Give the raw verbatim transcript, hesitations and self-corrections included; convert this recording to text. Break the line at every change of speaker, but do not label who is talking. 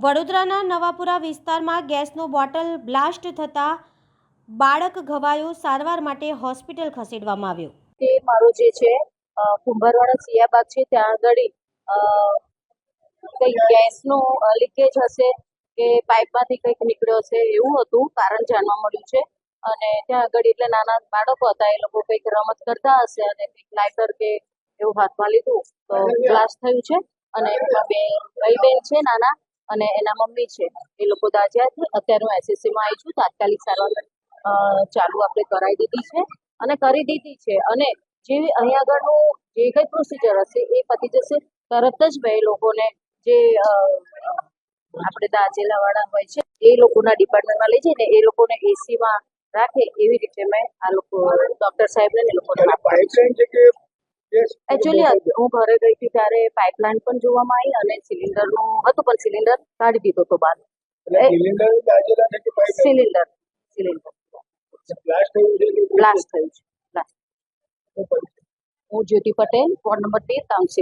વડોદરાના નવાપુરા વિસ્તારમાં ગેસનો બોટલ બ્લાસ્ટ થતાં બાળક ઘવાયું, સારવાર માટે હોસ્પિટલ ખસેડવામાં આવ્યો।
તે મારો જે છે કુંભારવાડા સિયાબાગ છે ત્યાં આગળ કંઈક ગેસનું લીકેજ હશે કે પાઇપમાંથી કંઈક નીકળ્યો હશે એવું હતું કારણ જાણવા મળ્યું છે। અને ત્યાં આગળ એટલે નાના બાળકો હતા, એ લોકો કંઈક રમત કરતા હશે અને કંઈક લાઇટર કે એવું હાથમાં લીધું તો બ્લાસ્ટ થયું છે। અને એમાં બે ભાઈ બહેન છે નાના અને એના મમ્મી છે, એ લોકો દાઝ્યા છે। અત્યારે હું એસએસસીમાં આવી છું, તાત્કાલિક સારવાર ચાલુ આપણે કરાવી દીધી છે અને કરી દીધી છે અને જે અહીંયા આગળનું જે કંઈ પ્રોસિજર હશે એ પતી જશે તરત જ બે લોકોને જે આપણે દાઝેલા વાળા હોય છે એ લોકોના ડિપાર્ટમેન્ટમાં લઈ જઈને એ લોકોને એસીમાં રાખે એવી રીતે મેં આ લોકો ડોક્ટર સાહેબને એ લોકોને એકચ્યુઅલી હું ઘરે ગઈ હતી ત્યારે પાઇપલાઇન પણ જોવામાં આવી અને સિલિન્ડરનું હતું પણ સિલિન્ડર કાઢી દીધો હતો બહાર। સિલિન્ડર સિલિન્ડર બ્લાસ્ટ થયું છે। હું જ્યોતિ પટેલ, વોર્ડ નંબર તેર, કાઉન્સિલર।